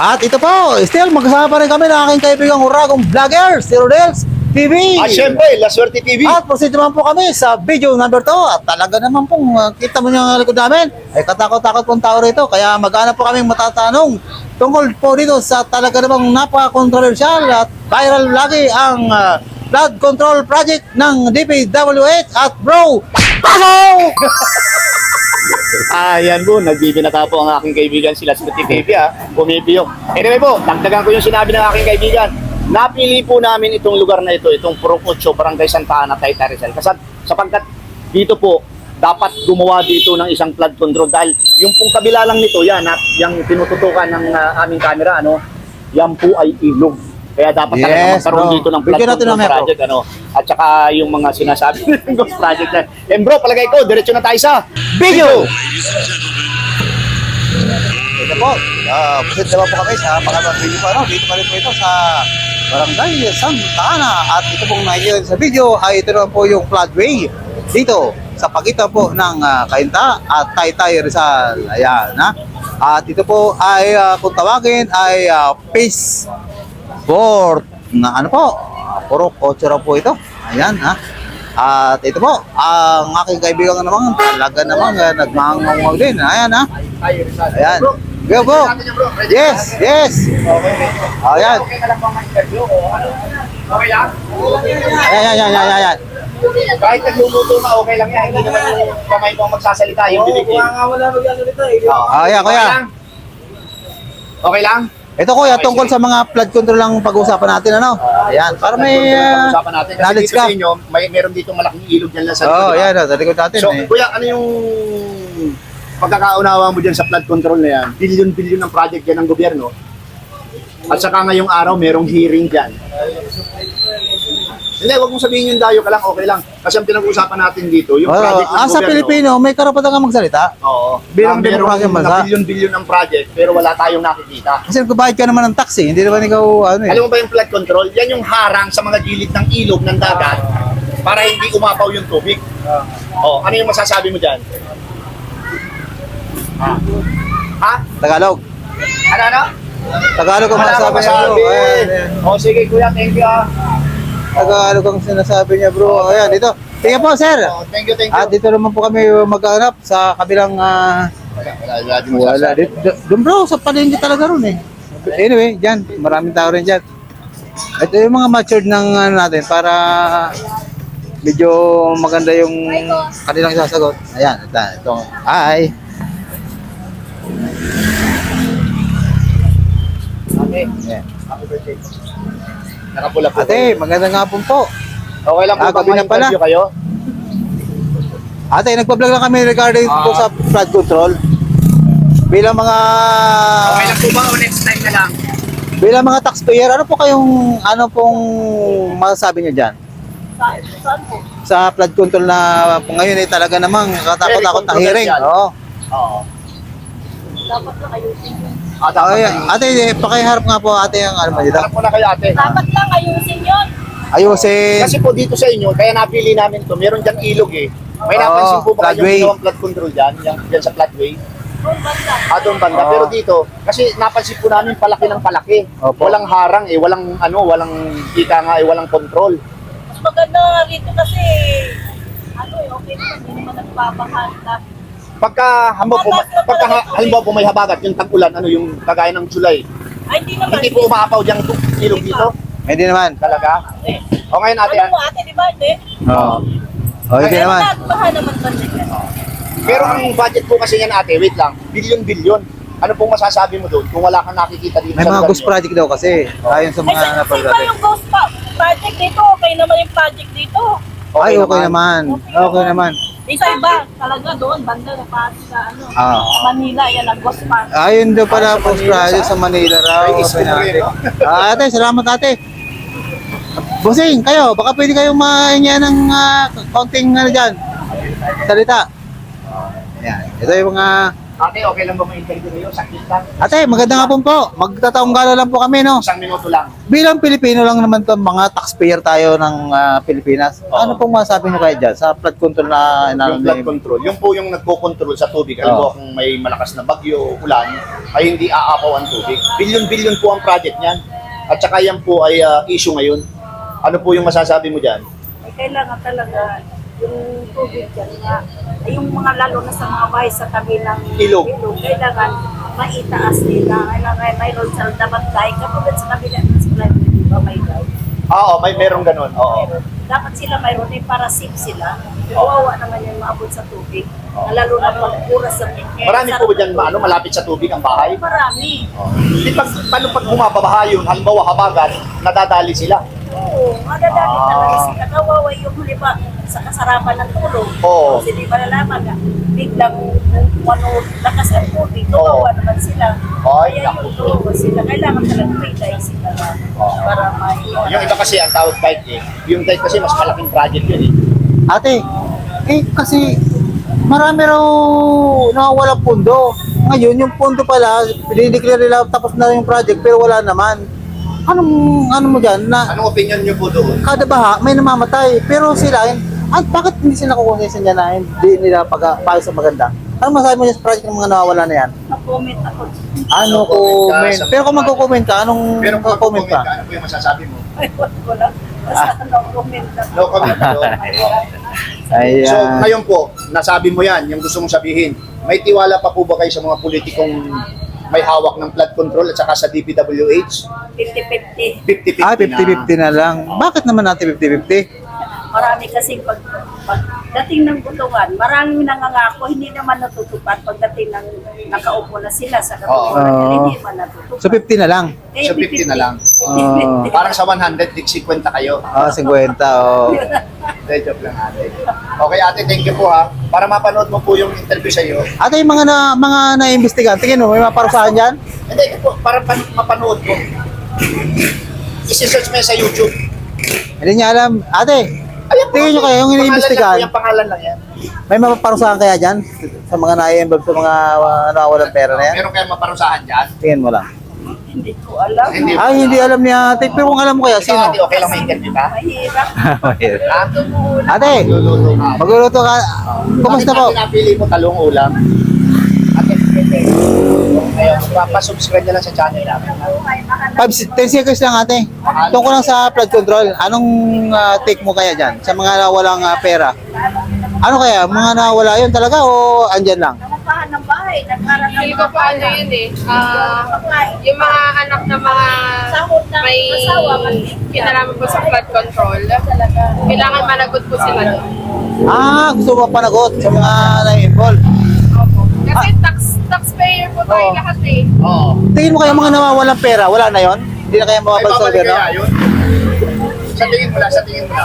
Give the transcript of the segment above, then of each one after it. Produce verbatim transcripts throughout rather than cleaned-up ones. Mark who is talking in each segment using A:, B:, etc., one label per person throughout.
A: At ito po, still magkasama pa rin kami ng aking kaibigang Uragong Vlogger, si Rodels T V.
B: At syempre, La Suerte T V.
A: At proceed naman po kami sa video number two. At talaga naman pong uh, kita mo yung likod namin, ay katakot-takot pong tao rito. Kaya mag-aanap po kaming matatanong tungkol po dito sa talaga namang napaka-controversial at viral lagi ang uh, flood control project ng D P W H at bro, pasok!
B: Ayan po, nagbibinata po ang aking kaibigan si La Suerte T V ha. Bumibiyok. Anyway po, dagdagan ko yung sinabi ng aking kaibigan. Napili po namin itong lugar na ito, itong Purok Ocho, Barangay Santa Ana, Taytay Rizal. Kasi sapagkat dito po, dapat gumawa dito ng isang flood control dahil yung pong kabila lang nito, yan, at yung tinututukan ng uh, aming camera, ano, yan po ay ilog. Kaya dapat
A: Yes,
B: talaga magkaroon
A: bro.
B: dito ng flood
A: Bigyan natin
B: control
A: ng metro.
B: project, ano, at saka yung mga sinasabi ng ghost project na. And bro, palagay ko, diretso na tayo sa
A: Video! Ito po, uh, proceed naman po kami sa pangalawang video po. Ano, dito pa rin po ito sa Barangay Santa Ana. At ito pong nakikita sa video ay ito naman po yung floodway dito sa pagitan po ng uh, Cainta at Taytay Rizal. Ayan, ha? At ito po ay uh, kung tawagin ay uh, phase four na ano po, uh, Purok Ocho raw po ito. Ayan, ha? At ito po, ang aking kaibigan naman, talaga naman uh, nagmangangawag din. Ayan, ha? Ayan. Go, go. Yes, yes. Ayan.
B: Okay ka lang bang ma-interview o ano? Okay lang?
A: Ayan, ayan, ayan, ayan, ayan.
B: Kahit nagluluto na, okay lang yan. Hindi naman yung kamay mo ang magsasalita, yung bibig. Oo,
C: nga wala magsasalita eh.
A: Ah, ayan, kuya.
B: lang? Okay lang?
A: Ito kuya, tungkol sa mga flood control lang pag-uusapan natin, ano? Ayan, para may uh,
B: Pag-usapan natin. Kasi
A: knowledge
B: dito
A: ka.
B: sa inyo, may, meron dito malaking ilog dyan lang sa
A: Oo, oh,
B: di ba?
A: ayan, sa likod natin.
B: So,
A: eh.
B: kuya, ano yung pagkakaunawa mo dyan sa flood control na yan? Billion-billion ng project dyan ng gobyerno. At saka ngayong araw, merong hearing dyan. Hindi, wag mong sabihin yung dayo ka lang, okay lang. Kasi ang pinag-uusapan natin dito, yung
A: Oo,
B: project ng
A: ah, sa
B: gobyerno.
A: Pilipino, may karapatan ka magsalita.
B: Oo.
A: Bilang
B: na merong
A: demokrasyang bansa.
B: na billion-billion ng project, pero wala tayong nakikita.
A: Kasi nagbabayad ka naman ng tax eh. Hindi naman ikaw, ano eh.
B: Alam mo ba yung flood control? Yan yung harang sa mga gilid ng ilog ng dagat para hindi umapaw yung tubig. Oh, ano yung masasabi mo dyan? Ha? Ha?
A: Tagalog.
B: Ano, ano?
A: Tagalog ang
B: Wala
A: masasabi
B: akong
A: niya, bro.
B: masabi.
A: Ayan, ayan.
B: Oh, sige kuya, thank you ah.
A: Tagalog ang sinasabi niya, bro. Ayan, dito. Sige po, sir.
B: Oh, thank you, thank you.
A: At dito naman po kami maghanap sa kabilang uh,
B: Wala, wala, wala, din
A: wala.
B: masasabi.
A: Dito, doon bro, sa palengke talaga ron eh. Anyway, dyan. Maraming tao rin dyan. Ito yung mga matured ng ano natin para medyo maganda yung kanilang isasagot. Ayan, ito. ito. Hi.
B: Ate,
A: Yeah.
B: happy birthday. Nakapula po.
A: Ate, magandang hapon po.
B: Okay lang po
A: Ah,
B: ba
A: gabi na pala.
B: ma-interview kayo?
A: Ate, nagpa-vlog lang kami regarding
B: Ah.
A: po sa flood control. Bilang mga
B: Okay lang po ba o next time na lang?
A: bilang mga taxpayer, ano po kayong ano pong masasabi niyo diyan?
C: Saan po?
A: Sa flood control na po ngayon eh talaga namang katakot-takot na hearing.
B: controversial.
A: Oo.
B: Oo.
C: Dapat lang ayusin yun.
B: Ah, dapat
A: Ay,
B: ayusin.
A: ate, eh, pakiharap nga po ate ang ano mo dito.
B: Harap mo na kayo ate.
C: Dapat lang ayusin yun.
A: Ayusin.
B: Kasi po dito sa inyo, kaya napili namin to, meron dyan ilog eh. May
A: Oo,
B: napansin po ba
A: floodway.
B: kayong ginawang flood control dyan? Yung, dyan sa floodway?
C: Kung banda.
B: Ah, doon banda.
A: Oo.
B: Pero dito, kasi napansin po namin palaki ng palaki.
A: Opo.
B: Walang harang eh, walang ano, walang ika nga eh, walang control.
C: Mas maganda nga rito kasi ano eh, okay naman. Hindi naman nagbabahan.
B: Pagka, hamo, po, pagka ha- halimbawa po may habagat, yung tag-ulan, ano, yung kagaya ng July,
C: Ay, hindi naman.
B: hindi po umaapaw dyan ilog dito?
A: Hindi naman.
B: Talaga?
C: Eh,
B: O ngayon ate,
C: ano mo ate, di ba? Hindi.
A: Oo. Oh, hindi
C: Pero
A: naman.
C: nagbahan naman ba nila?
B: pero ang budget po kasi yan ate, wait lang, billion-billion. Ano pong masasabi mo doon kung wala kang nakikita dito
A: May
B: sa
A: mga
B: lugar
A: ghost
B: niyo?
A: project daw kasi. Ayon sa
C: Ay,
A: mga
C: sa, sa
A: napag
C: iba yung ghost pa, project dito, okay naman yung project dito.
A: Ay, okay naman. Okay naman.
C: Isa iba, talaga doon, banda na pa sa ano,
A: Ah.
C: Manila, yan ang ghost park.
A: Ayun daw pala
B: Ah, sa
A: post
B: Manila,
A: project sa Manila raw.
B: Ay, gusto
A: Sabi
B: mo
A: natin.
B: rin, no?
A: Ah, ate, salamat ate. Bossing, kayo, baka pwede kayong mahingi ng ah, konting ano dyan, salita. Ayan, ito yung mga
B: Ate, okay lang ba ma-interview kayo? Sakit lang.
A: Ate, magandang hapon po. Magtataong gala lang po kami, no?
B: Isang minuto lang.
A: Bilang Pilipino lang naman to, mga taxpayer tayo ng ah, Pilipinas.
B: Oo.
A: Ano pong masabi niyo kayo dyan sa flood control na
B: Yung flood
A: inaalam
B: control, yung po yung nagko-control sa tubig. Alam mo
A: Oo.
B: kung may malakas na bagyo, ulan, ay hindi aapaw ang tubig. Bilyon-bilyon po ang project niyan. At saka yan po ay ah, issue ngayon. Ano po yung masasabi mo dyan?
C: Ay, kailangan talaga yung tubig dyan nga. Ay, yung mga lalo na sa mga bahay sa tabi ng
B: Ilog.
C: kailangan maitaas nila. Kailangan mayroon sa dapat dahil kapag sa kabila ng supply, di ba may guide?
B: Oo, may merong ganun. Oo.
C: Mayroon. Dapat sila mayroon din para safe sila. Kawawa naman yung maabot sa tubig. Lalo na pag oras sa
B: Marami po ba dyan ano, malapit sa tubig ang bahay?
C: Marami.
B: Di pag, paano pag bumabaha yun, halimbawa habagat, nadadali sila.
C: Oo, madadali
B: Ah.
C: talaga sila. Kawawa yung huli pa sa kasarapan ng tulog.
B: Oo.
C: Kasi di ba nalaman na biglang ano, lakas ang tubig.
B: Oo.
C: Kawawa naman sila.
B: Ay,
C: Kaya
B: naku.
C: yung kawawa sila. Kailangan talaga may dahil sila na para may...
B: Yung iba kasi ang tawag dike eh. Yung dike kasi mas malaking project yun eh.
A: Ate, eh kasi marami raw nawawalang pondo. Ngayon, yung pondo pala, dinideclare nila tapos na yung project pero wala naman. Anong, ano mo dyan, na
B: Anong opinion nyo po doon?
A: kada baha may namamatay. Pero sila, at bakit hindi sila kukonsensan niya na hindi nila pag paayos sa maganda? Ano masabi mo dyan sa project ng mga nawawala na yan?
C: Na-comment ako.
A: Ano
B: Ano, comment ka
A: comment?
B: sa-
A: Pero kung magko-comment ka, anong
B: Pero kung
A: comment ka?
B: ano po yung masasabi mo?
C: Ay, wala ko lang. Basta no-comment ako.
B: No comment ka doon.
A: Ayan.
B: So ngayon po, nasabi mo yan, yung gusto mong sabihin. May tiwala pa po ba kayo sa mga politikong may hawak ng flood control at saka sa D P W H?
C: fifty-fifty.
B: fifty-fifty
A: Ah, fifty-fifty na lang. Bakit naman natin fifty-fifty?
C: Marami kasi pag, pagdating ng butungan, maraming nangangako, hindi naman natutupad pagdating ng nakaupo na sila sa
B: Oo.
C: katutunan,
A: Oo.
C: hindi naman natutupad.
A: So fifty na lang.
C: Kaya
B: So, fifty na lang.
A: Oo.
B: Parang sa one hundred, tig fifty kayo.
A: Ah, fifty. Oh.
B: Hindi, joke lang ate. Okay ate, thank you po ha. Para mapanood mo po yung interview sa iyo.
A: Ate, yung mga na, mga na-imbestigahan, tingin mo, may maparusahan dyan?
B: Hindi, ito po, para pan- mapanood mo. Isi-search mo yan sa YouTube.
A: Hindi niya alam. Ate,
B: Ayan po,
A: tingin nyo
B: ate.
A: kaya yung
B: Pangalan lang
A: iniimbestigahan,
B: po, yung pangalan lang yan.
A: may mapaparusahan kaya dyan? Sa mga na-involve sa mga uh, nawawalang pera na yan?
B: Meron kayong maparusahan dyan?
A: Tingin mo lang.
C: Hindi ko alam.
B: Hindi.
A: Ay, hindi alam ni ate. Pero kung alam mo kaya,
B: Ikaw
A: sino?
B: ate, okay lang may interview ka?
C: Mahirap.
B: Ha?
A: Ate,
B: Luluto ka.
A: magluluto ka. Kumusta
B: Bakit
A: po?
B: natin napili mo talong ulam? Ate, ayun, papasubscribe na lang sa channel namin.
A: five, ten seconds lang ate. Tungkol lang sa flood control, anong ah, take mo kaya dyan? Sa mga walang ah, pera? Ano kaya? Mga nawala yun talaga o andyan lang?
C: Nangapahan ng bahay, nagkaroon ng
D: Hindi ko pa ano yun eh. Ah,
C: pagkain.
D: yung mga anak ng mga
C: Sahod ng
D: may
C: asawa, kasi
D: kinalaman po sa flood control, kailangan managot po sila doon.
A: Ah, gusto mo panagot sa mga na-involve.
D: Opo. Kasi tax taxpayer po tayo
A: Oo.
D: lahat eh.
B: Oo.
A: Tingin mo kaya mga nawawalang pera, wala na yon? Hindi na kaya
B: Ay,
A: mababag sa
B: babalik
A: gano'n?
B: kaya yun? Sa tingin mo lang, sa tingin mo lang.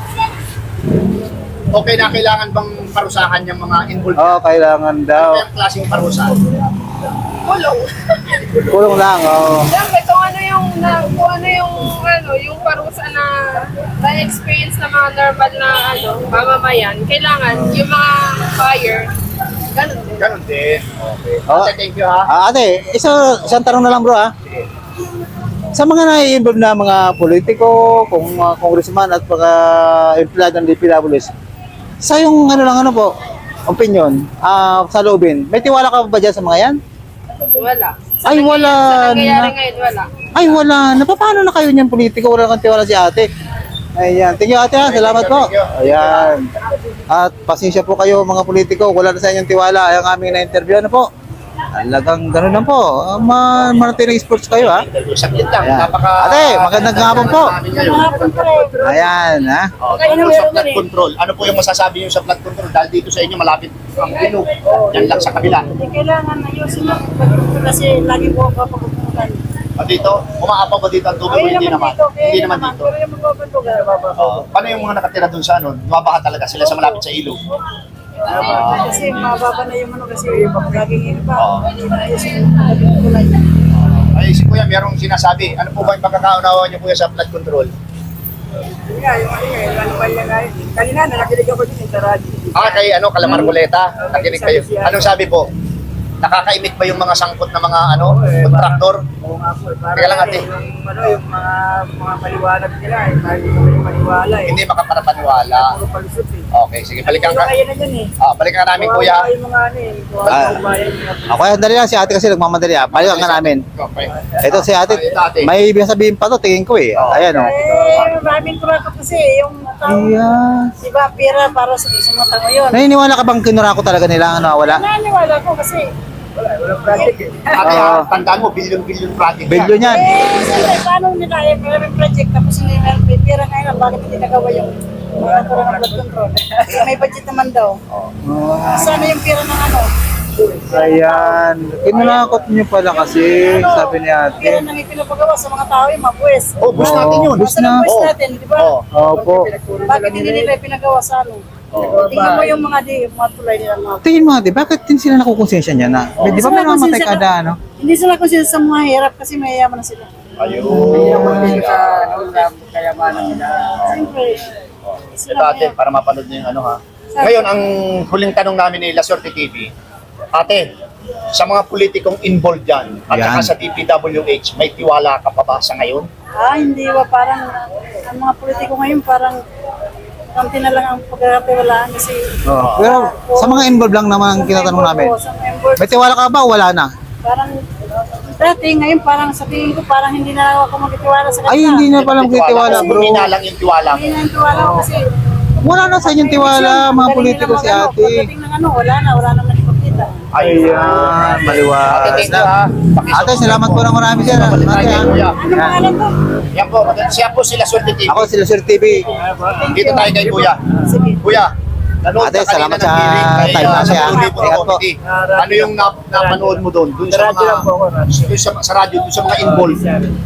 B: Okay na kailangan bang parusahan yung mga involved?
A: Oo, oh, kailangan
B: Ano
A: daw.
B: yung klaseng parusahan?
D: Kulong.
A: Kulong lang, oo.
D: Siyempre, kung ano yung, na, kung ano yung, ano, yung parusa na na-experience ng mga normal na, ano, mamamayan, kailangan yung mga buyer, ganun din.
B: Ganon din. Okay.
A: Oo.
B: Ate, thank you ha.
A: Ah, ate, isa, isang tanong na lang bro ah. Sa mga na-involve na mga politiko, kung mga congressman at mga empleyado ng D P W S, sa yung ano lang ano po, opinion, ah sa loobin, may tiwala ka ba dyan sa mga yan?
D: Wala.
A: Ay, wala
D: Sa nangyayari
A: na.
D: ngayon, wala.
A: Ay wala, napapano na kayo niyan politiko, wala kang tiwala si ate. Ayan, thank you ate ha, salamat po. Ayan. At pasensya po kayo mga politiko, wala na sa inyong tiwala, ang aming na-interview ano po. Talagang ganun lang po, uh, ma manatiling sports kayo ha.
B: Interview. Saglit lang.
A: Ayan.
B: Napaka...
A: Ate, magandang hapon po.
B: namin ngayon.
A: Ayan ha.
B: Oh, tungkol sa flood control. Ano po yung masasabi niyo sa flood control? Dahil dito sa inyo malapit ang ilog. Yan lang sa kabila.
C: Hindi kailangan ayusin lang kasi lagi po ako papupuntan.
B: O dito, umaapaw ba dito ang tubig o hindi naman? Hindi naman dito.
C: Pero yung magpapuntugan,
B: Oh, paano yung mga nakatira dun sa ano? Mabaha talaga sila sa malapit sa ilog.
C: kasi mababa na yung ano kasi laging yun pa.
B: Oo. Ay, si Kuya, merong sinasabi. Ano po ba yung pagkakaunawa niyo Kuya sa flood control?
C: Nga, yung ano nga, yung ano pa niya nga, kanina nakikinig ako din sa radyo.
B: Ah, kay ano, Calamar Goleta. Nakinig kayo. Anong sabi po? Nakakaimik ba yung mga sangkot na mga ano, kontraktor?
E: Oo nga po. Parang
B: Teka lang, ate.
E: Yung, ano, yung mga, mga paliwanag nila, eh, parang hindi kami maniwala eh.
B: Hindi makapanapaniwala.
E: Puro palusot eh.
B: Okay, sige, balikan
E: Pero
B: ka.
E: kaya na yan eh.
B: Ah, balikan ka namin,
E: Kawawa
B: kuya.
E: yung mga ano eh. Kawawa
A: Ah.
E: yung bayan nila.
A: Ako yan, dali lang si ate kasi nagmamadali ah. Balikan ka namin.
B: Okay.
A: Ito si ate,
B: Ito, ate.
A: may ibig sabihin pa to, tingin ko eh.
B: Oo.
A: Ayan oh.
C: Eh, maraming kurako kasi yung tao.
A: Ayan.
C: Diba, pera para sa sa mga tao yun.
A: Naniniwala ka bang kinurako talaga nila ang nawawala?
C: Naniniwala ko kasi,
E: Wala, walang project eh.
B: Ate,
A: Oo.
B: ah, tandaan mo, billion-billion project yan.
A: Bilyon yan.
C: eh, siyempre, paano nila, eh, may project, tapos hindi meron may pera ngayon, bakit hindi nagawa yung mga karoon ng blood control? Eh, may budget naman daw. Sana yung pera ng ano?
A: Ayan. Kinurakot niyo pala kasi,
C: Ano,
A: sabi ni
C: Pera
A: ate.
C: nang ipinapagawa sa mga tao yung mabuwes.
B: Oh, bus natin yun.
A: Bus
C: Basta ng
A: na.
C: buwis
B: Oo.
C: natin, di ba?
B: Oo.
A: Opo.
C: Bakit hindi nila ipinagawa sa ano? Tingnan mo yung mga di, mga tulay nila mga
A: Tingin mo ate, bakit din sila nakukonsensya niya na? Di ba may
C: Sila
A: namatay
C: konsensya
A: kada ano?
C: Hindi sila kung sila sa mga hirap kasi may yaman na sila.
B: Ayun.
E: Sa ano, sa kayamanan nila.
C: Siyempre.
B: Ito ate, para mapanood niyo yung ano ha. Ngayon, ang huling tanong namin ni La Suerte T V, ate, sa mga politikong involved dyan, at
A: Yan.
B: saka sa D P W H, may tiwala ka pa ba sa ngayon?
C: Ah, hindi ba parang ang mga politiko ngayon parang konti na lang ang pagkakatiwalaan kasi
A: Oo. Pero sa mga involved lang naman ang tinatanong namin.
C: Oo, sa member,
A: May tiwala ka ba o wala na?
C: parang dati ngayon parang sabihin ko parang hindi na ako magtitiwala sa kanila.
A: Ay, hindi na palang titiwala bro.
B: Hindi na lang yung tiwala mo.
C: Hindi na yung tiwala ko kasi
A: Wala na sa inyong tiwala, mga
C: Magaling
A: politiko
C: nila
A: si
C: mag- ano,
A: ate.
C: Pagdating ng ano, wala na, wala na nakikita.
A: Ayan, maliwas
B: Ate, thank you,
A: na.
B: ha.
A: Ate, salamat po ng marami sir. Ate,
B: Balik tayo,
A: ha?
B: kuya.
C: Ano pangalan ko?
B: Yan po, siya po sila Suerte T V.
A: Ako sila Sir T V.
B: Dito tayo kay kuya.
C: Sige.
B: Kuya, nanood
A: Ate,
B: ka kanina
A: salamat
B: ng
A: sa
B: hearing kay
A: time na
B: uh,
A: siya.
B: Libo
A: Ingat po.
B: Committee. Ano yung nap napanood mo doon? Doon sa
E: Radyo lang po ako,
B: mga
E: radyo.
B: doon sa, sa radyo, doon sa mga involved.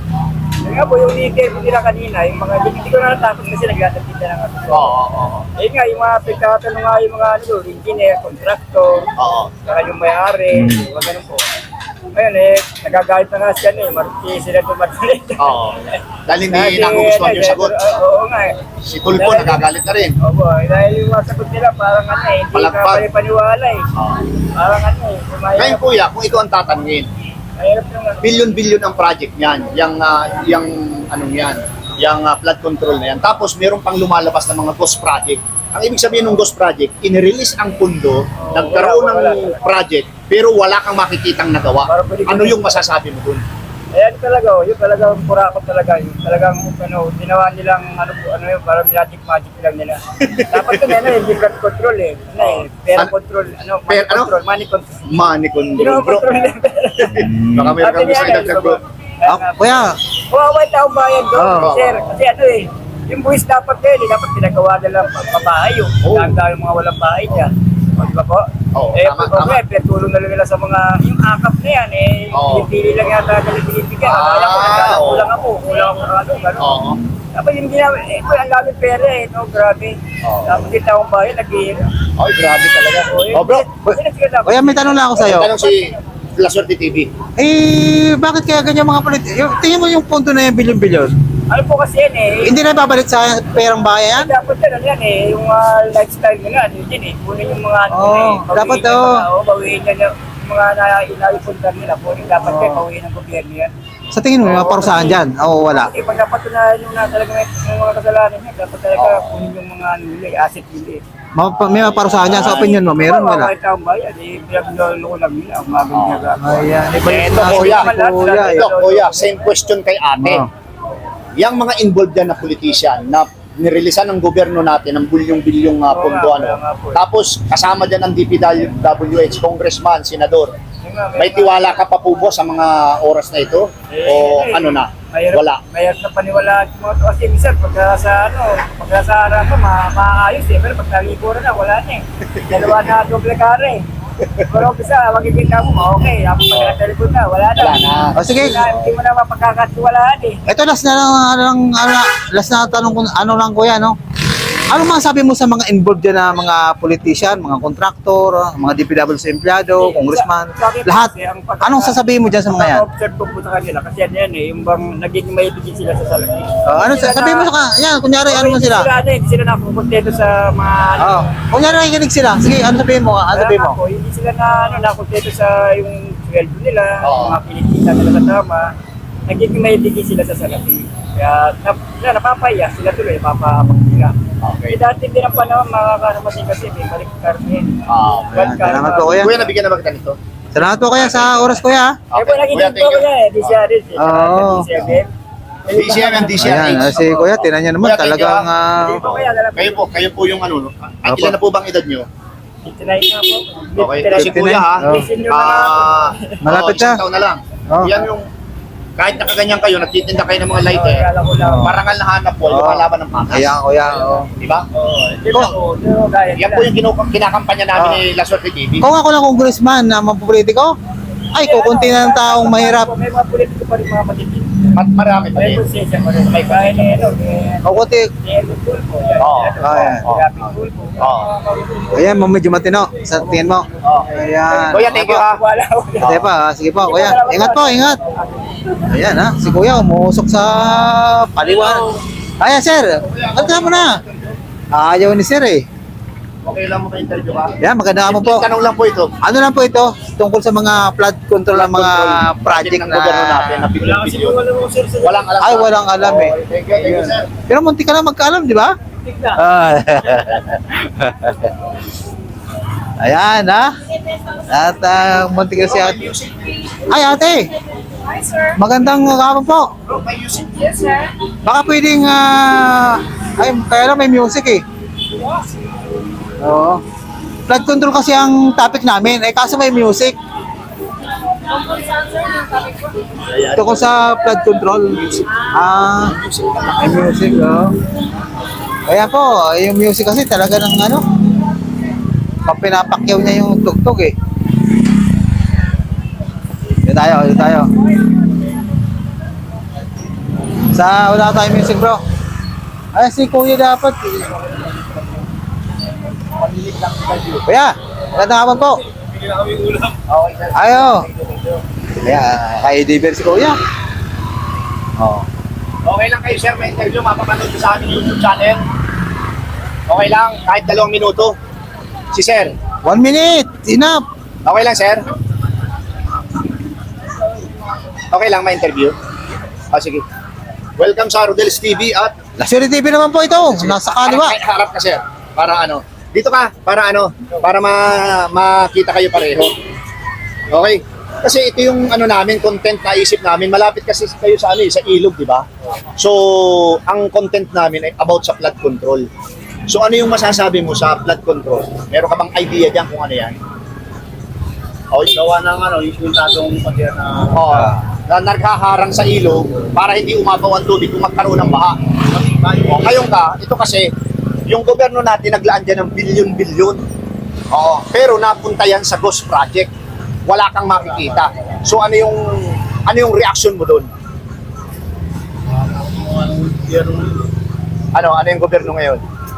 E: Kaya nga po, yung leader ko nila kanina, yung mga hindi ko na natapos kasi nagtatapit na ng ano.
B: Oo, oo, oo.
E: Ayun nga, yung mga pagkakatanong nga yung mga ano, doon, engineer, contractor,
B: Oo.
E: saka yung may-ari, mga ganun po. Ngayon eh, nagagalit na nga siya eh, maruti sila tumatuli.
B: Oo. Dahil hindi nagugustuhan yung sagot.
E: Oo nga eh.
B: Si Tulpo nagagalit na rin.
E: Opo, eh, dahil yung mga sagot nila parang ano eh, hindi
B: Palagpag.
E: ka paniwala eh.
B: Oo.
E: Parang ano eh,
B: Ngayon
E: kumayarap.
B: kuya, kung ikaw ang tatanungin,
E: Mahirap yung ano.
B: billion-billion ang project niyan, yung, uh, yung anong yan, yung uh, flood control na yan. Tapos meron pang lumalabas na mga ghost project. Ang ibig sabihin ng ghost project, inirelease ang pundo, nagkaroon
E: wala,
B: ng project, pero wala kang makikitang nagawa.
E: Parang pwede
B: Ano
E: ko-
B: yung masasabi mo dun?
E: Ayan talaga, oh, yun talagang pura ko talaga. Yung talagang ano, ginawa nilang ano, po, ano yun, parang magic magic lang nila. Dapat yun, ano, hindi blood control eh. Ano eh, pera
B: Ano?
E: control, ano, money
B: Pera- ano?
E: control, money control.
B: Money control, bro.
E: Ginawa-control nila.
B: Baka meron
E: Sabi
B: kang
E: niya,
B: gusto
E: ano,
B: idagdag, bro.
A: Ah, kuya,
E: Kawawa yung taong bayan doon,
A: Oo.
E: sir. Kasi ano eh, yung buwis dapat eh, di dapat pinagawa nila ang pabahay yung
B: Oo.
E: dahil tayo mga walang bahay dyan. O, di ba po?
B: Oo,
E: eh,
B: tama,
E: pag
B: tama.
E: eh, pinatulong na lang nila sa mga, yung akap na yan eh,
B: Oo.
E: pili lang yata nila binibigyan.
B: Ah,
E: Akala ko, nagkala-
B: oo.
E: kulang ako, kulang ako, ano, gano'n.
B: Oo.
E: Tapos yung ginawa, eh, ito, ang dami pera eh, no, grabe.
B: Oo.
E: Tapos yung taong bayan, nag-iira.
B: Ay, grabe talaga.
E: eh,
B: Oh, bro.
A: kuya may tanong lang ako sa'yo.
B: Tanong si La Suerte T V.
A: Eh, bakit kaya ganyan mga politiko? Tingin mo yung punto na yung bilyon-bilyon.
E: Ano po kasi yan eh,
A: Hindi na babalik sa perang bayan?
E: dapat yan, ano yan eh, yung uh, lifestyle nila, ano yun eh, kunin yung mga ano
A: Oo,
E: nila eh, bawiin
A: dapat
E: yung
A: daw.
E: mga, oh, bawiin yan yung mga na inaipunta nila, kunin dapat
A: Oo.
E: kayo, bawiin ng gobyerno yan.
A: Sa tingin mo, may parusahan dyan? Oo, wala.
E: Eh, pag napatunayan yung na talaga may yung mga kasalanan niya, dapat talaga kunin yung mga ano nila, eh, asset nila eh.
A: Ma- May parusahan dyan sa opinion mo? Meron, wala?
E: Kahit taong bayan, eh, pinaglolo lang nila, ang mga ganyan gagawin.
A: Ayan, iba yung
B: Ito,
A: sinasabi
B: kuya.
A: ni kuya. eh.
B: Ito, kuya, same question kay ate.
A: Oo.
B: Yang mga involved dyan na politician na nirelisan ng gobyerno natin ng bilyong-bilyong uh,
E: Oo
B: pondo
E: nga,
B: ano.
E: kaya nga po eh.
B: Tapos kasama dyan ang D P W H, congressman, senador.
E: Yun nga,
B: May tiwala ka pa po ba sa mga oras na ito?
E: Eh,
B: O
E: eh,
B: ano na?
E: Mahirap,
B: Wala.
E: Mahirap na paniwalaan yung mga to. Kasi minsan, pagka sa ano, pagka sa harap ko, ma maayos eh. Pero pag nalikuran na, wala na eh. Dalawa na doble kare eh. Pero umpisa, makikita mo, okay. Tapos pag naka-telepon na, wala na.
B: Wala na.
A: O sige,
E: Hindi na- Hindi mo na mapagkakatiwalaan eh.
A: ito last na lang, ano, lang- ano, last na tanong ko, ano lang kuya, no? Ano masasabi mo sa mga involved dyan na mga politician, mga kontraktor, mga D P W S empleyado, congressman,
E: Sa akin po
A: lahat?
E: kasi, ang pagka-
A: Anong sasabihin mo dyan sa mga yan?
E: Observe ko po sa kanila kasi yan yan eh, yung bang naging maibigin sila sa salapi.
A: Uh, ano sa- sabihin mo sa ka- yan, kunyari ano mo sila?
E: Sila ano, hindi sila nakukontento sa mga ano.
A: Oo. Kunyari nakikinig sila. Sige, ano sabihin mo? Ano sabihin mo?
E: Ako, hindi sila na ano, nakontento sa yung sweldo nila,
B: Oo.
E: mga kinikita nila sa tama. Naging maibigin sila sa salapi. Kaya nap, sila napapaya, sila tuloy napapapagtira.
B: Okay.
E: Eh dati din ang panahon, mga kasamasin kasi may balik karne.
B: Ah,
A: Ayan, salamat po, kuya.
B: Kuya, nabigyan na ba kita nito?
A: Salamat po kaya sa oras kuya.
E: Eh po,
B: Kuya,
E: nakikinig
B: thank
E: po
B: you.
E: ko eh, D C R S.
A: Oo.
E: D C R S.
B: D C M and D C R H.
A: Ayan, ah, si kuya, tinan niya naman
B: Kuya, thank you,
A: talagang ah,
E: Hindi po kaya, dala po.
B: Kayo po, kayo po yung ano, no? At
A: Opo.
B: ilan na po bang edad nyo?
E: fifty-nine na po.
B: Okay,
E: fifty-nine.
B: kasi kuya ha,
A: Oh.
E: Senior na
B: ah,
A: Malapit
B: oh,
A: siya.
B: isang taon na lang.
A: Oh.
B: Yan yung, kahit nakaganyan kayo, nagtitinda kayo ng mga lighter,
E: Kaya lang ko lang.
B: parangal na hanap po,
A: Oh.
B: lumalaban ng patas.
A: ayan kuya. Oh.
B: Di ba?
E: Di ba po? Di ba gaya
B: Yan
E: nila?
B: po yung kinu- kinakampanya namin
A: Oh.
B: ni La Suerte T V.
A: Kung ako lang congressman na mapopolitiko, ay kukunti na ng taong mahirap.
E: May mga politiko pa rin mga matitid.
B: At marami pa
E: May
B: din.
E: konsensya pa rin. May kaya ni ano, ni
A: Kukunti.
E: ni Elmo Tulfo. Yan,
B: Oo.
E: ano,
A: Oh, yan.
E: si Rapi Tulfo.
B: Oo.
A: Ayan, medyo matino sa tingin mo. Ayan.
B: Kuya, thank you ha.
E: Wala, wala.
A: Sige pa, ah. sige po, kuya. Ingat po, ingat. Ayan ha, si kuya umuusok sa paliwan. Ayan sir, at mo na. Ayaw ni sir eh.
B: Okay lang mo ka-interview ka?
A: Yan, maganda mo po.
B: Tanong lang po ito.
A: Ano lang po ito? Tungkol sa mga flood control ng mga project
B: ng gobyerno natin na
A: na...
B: bilyon-bilyon. Walang alam.
A: Ay, walang alam eh.
B: Okay, Thank you, thank you, sir.
A: Pero munti ka na magkaalam, di ba? Ah. Ayan ha. At uh, munti ka si ate. Ay ate,
D: Hi, sir.
A: magandang hapon po.
B: Bro, may music.
D: Yes, sir.
A: Baka pwedeng, ah, ay, kaya lang may music eh. Oo. Flood control kasi ang topic namin, eh kaso may music.
D: Tungkol saan, sir? Yung topic ko?
A: Tungkol sa flood control. Ah, may music, oh. Kaya po, yung music kasi talaga ng ano, pag pinapakyaw niya yung tugtog eh. Dito tayo, dito tayo. Sa wala tayong music bro. Ay, si kuya dapat. Kuya, magandang hapon po. Ayo. Kaya, kay Diver si kuya. Oh.
B: Okay lang kayo, sir. May interview. Mapapanood nyo sa aming YouTube channel. Okay lang. Kahit dalawang minuto. Si sir.
A: One minute, enough.
B: Okay lang, sir? Okay lang, may interview. Ah, sige. Welcome sa Rodel's T V at
A: Luxury T V naman po ito. Nasa kaliwa.
B: Harap, harap ka, sir. Para ano? Dito ka. Para ano? Para ma makita kayo pareho. Okay? Kasi ito yung ano namin, content na isip namin. Malapit kasi kayo sa ano, eh, sa ilog, di ba? So, ang content namin ay about sa flood control. So, ano yung masasabi mo sa flood control? Meron ka bang idea diyan kung ano yan?
E: O, gawa ng ano, yung tatong patir na...
B: Oo. Na naghaharang sa ilog para hindi umapaw ang tubig kung magkaroon ng baha. O, ngayon ka, ito kasi, yung gobyerno natin naglaan dyan ng bilyon-bilyon. Oo. Pero napunta yan sa ghost project. Wala kang makikita. So ano yung ano yung reaction mo doon? Ano, ano yung gobyerno ngayon?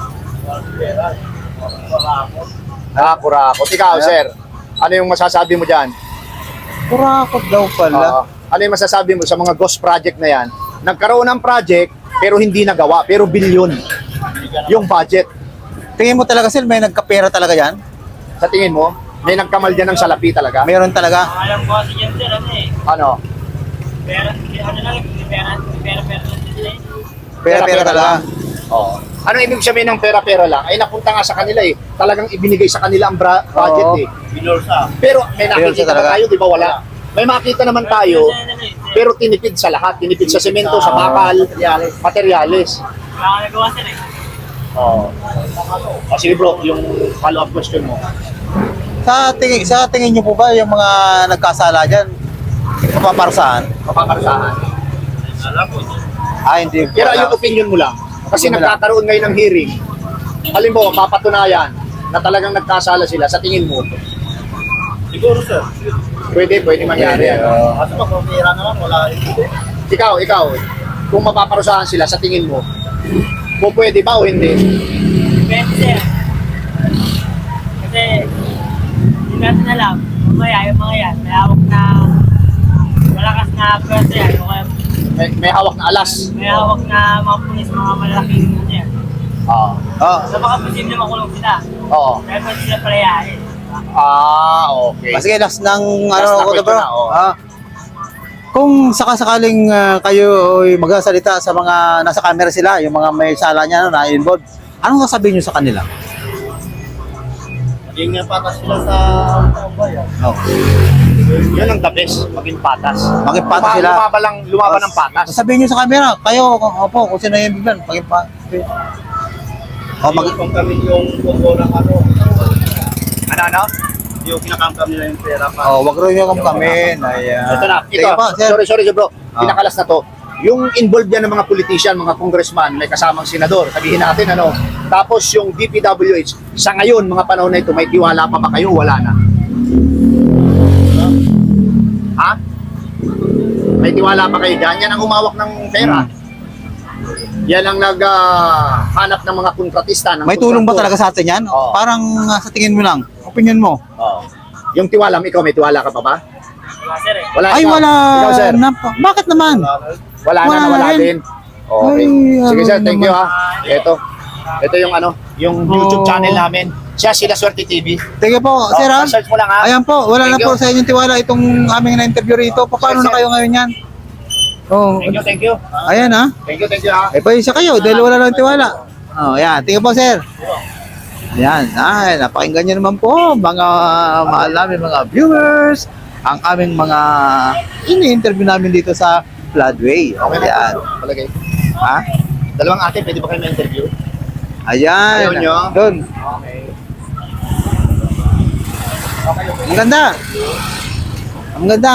B: Ah, kurakot. Ikaw, sir. Ano yung masasabi mo diyan?
A: Kurakot daw pala.
B: Oo. Ano yung masasabi mo sa mga ghost project na yan? Nagkaroon ng project, pero hindi nagawa, pero bilyon yung budget.
A: Tingin mo talaga sir, may nagkapera talaga yan?
B: Sa tingin mo, may nagkamal dyan ng salapi talaga?
A: Meron talaga.
E: Alam ko kasi yan sir, ano eh.
B: Ano?
E: Pera, ano lang, pera, pera, pera lang sila eh.
A: Pera-pera talaga.
B: Oo. Ano ibig sabihin ng pera-pera lang? Ay napunta nga sa kanila eh. Talagang ibinigay sa kanila ang bra- budget
A: Oo.
B: eh.
E: Binursa.
B: Pero may
A: Binursa
B: nakikita
A: talaga.
B: ba tayo, di ba wala? May makita naman tayo, pero tinipid sa lahat. Tinipid sa semento, sa bakal, materyales.
E: Wala ka nagawa sir eh.
B: Oo. Oh, sige bro, yung follow-up question mo.
A: Sa tingin, sa tingin niyo po ba yung mga nagkasala diyan mapaparusahan?
B: Mapaparasahan.
E: Alam ko.
A: Ah, hindi.
B: Pero yung opinion mo lang. Kasi
A: Opinion mo lang.
B: nagkakaroon ngayon ng hearing. Halimbawa, mapatunayan na talagang nagkasala sila. Sa tingin mo,
E: Siguro sir.
B: pwede, pwede mangyari.
A: Pwede,
B: ano?
A: oo.
E: Kasi magpapira naman, wala rin.
B: Ikaw, ikaw, kung mapaparusahan sila, sa tingin mo, kung pwede ba o hindi?
E: Depende sir. Kasi, hindi natin alam. Mamaya, yung mga yan, may hawak na malakas na pwede yan. O kaya
B: May, may hawak na alas.
E: may hawak na mga pulis, mga malalaking ano yan.
B: Oo.
A: Oh,
E: So baka posible makulong sila.
B: Oo.
E: Kaya pwede sila palayain.
B: Ah, okay.
A: Kasi last ng
B: Last
A: ano
B: na
A: ko
B: question
A: bro.
B: na, oh.
A: Ah, kung sakasakaling ah, kayo ay magsasalita sa mga nasa camera sila, yung mga may sala niya no, na involved, anong sasabihin niyo sa kanila?
B: Maging patas sila sa bayan.
A: Oh.
B: Yun ang the best, maging patas.
A: Maging patas
B: Luma-
A: sila.
B: Lumaban lang, lumaban ng patas.
A: Sabihin niyo sa camera, kayo, opo, kung sino yung bigyan, maging pa. Oh, mag
B: Kung kami yung buko ng ano. Ano, ano? Yung kinakangkam nila yung pera pa.
A: Oh, wag rin yung kami. Ayan.
B: Ito na, ito.
A: Sige po, sir.
B: Sorry, sorry, bro.
A: Ah.
B: Pinakalas na to. Yung involved yan ng mga politician, mga congressman, may kasamang senador. Sabihin natin, ano. Tapos yung D P W H, sa ngayon, mga panahon na ito, may tiwala pa ba kayo? Wala na. Ha? May tiwala pa kayo dyan? Yan ang umawak ng pera. Yan ang naghanap ng mga kontratista. Ng
A: May tulong ba
B: kontraktor.
A: talaga sa atin yan?
B: Oo.
A: Parang ah, sa tingin mo lang, opinion mo.
B: Oo. Yung tiwala, ikaw may tiwala ka pa ba?
E: Wala sir eh.
B: Wala.
A: Ay,
B: ikaw.
A: wala.
B: Ikaw, sir.
A: Na, bakit naman?
B: Wala,
A: Wala
B: na, nawala
A: rin.
B: din. Okay.
A: Ay,
B: Sige
A: ano
B: sir, thank you
A: naman.
B: ha. Ito. Ito yung ano, yung YouTube
A: Oh.
B: channel namin. Siya sila Swerte T V.
A: Sige po, sir ha?
B: search mo lang ha.
A: Ayan po, wala na
B: Thank
A: po
B: you.
A: sa inyong tiwala itong aming na-interview rito. Paano
B: Sir,
A: na
B: sir.
A: kayo ngayon yan? Oh,
B: Thank you, thank you.
A: ayan ha.
B: Thank you, thank you ha.
A: Eh, pa isa kayo dahil wala lang tiwala. Oh, ayan. Tingnan po, sir. Ayan. Ay, napakinggan niyo naman po, mga mahal namin mga viewers, ang aming mga ini-interview namin dito sa Floodway.
B: Okay na
A: Ayan.
B: po. Palagay.
A: Ha?
B: Dalawang ate, pwede ba kayo ma-interview?
A: Ayan.
B: Ayaw nyo?
A: Doon.
B: Okay.
A: Ang ganda. Ang ganda.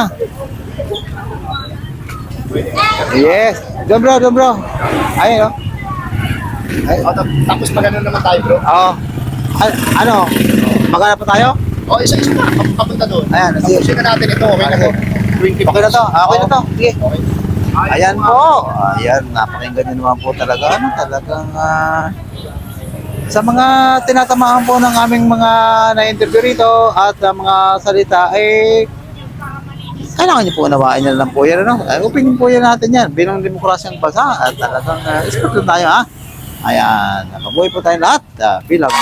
A: Yes. Doon bro, doon bro. Ayun oh. Ay,
B: O, tap- tapos pa ganun naman tayo bro.
A: oh. Ay, ano? Maghanap pa tayo?
B: O, isa-isa na. Pap- Papunta doon.
A: Ayan, sige.
B: Tapusin na natin ito. Okay na to. twenty
A: Okay na to. Ah, Okay na to. Sige.
B: Okay.
A: Ayan po. Ayan, napakinggan nyo naman po talaga. Ano, talagang ah, sa mga tinatamaan po ng aming mga na-interview rito at ah, mga salita, eh, kailangan nyo po unawaan nyo lang po yan. Ano? Ay, opinion po yan natin yan. Bilang demokrasyang bansa at talagang uh, expert lang tayo ha. Ayan, nakabuhay po tayo lahat ah, bilang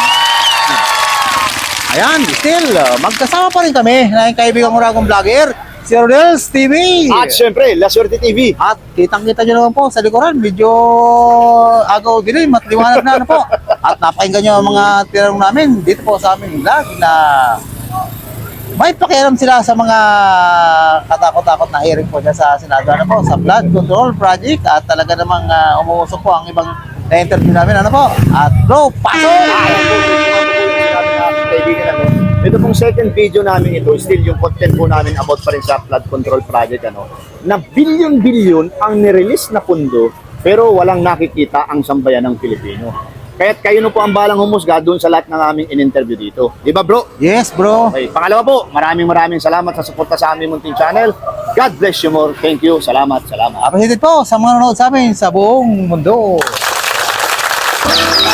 A: ayan, still, uh, magkasama pa rin kami na yung kaibigan ko ragong vlogger, si Rodels T V.
B: At syempre, La Swerte T V.
A: At kitang-kita nyo naman po sa likuran, medyo agaw dilim at liwanag na ano po. At napakinggan nyo ang mga tinanong namin dito po sa aming vlog na may pakialam sila sa mga katakot-takot na hearing po dyan sa Senado ano po, sa flood control project at talaga namang uh, umuusok po ang ibang na-interview namin ano po. At bro, pasok!
B: Kaibigan ako. Ito pong second video namin ito, still yung content po namin about pa rin sa flood control project, ano, na bilyon-bilyon ang nirelease na pundo, pero walang nakikita ang sambayan ng Pilipino. Kaya't kayo na po ang balang humusga doon sa lahat ng aming in-interview dito. Di ba bro?
A: Yes bro.
B: Okay, pangalawa po, maraming maraming salamat sa suporta sa aming munting channel. God bless you more. Thank you. Salamat, salamat.
A: Appreciated po sa mga nanonood sa amin sa buong mundo.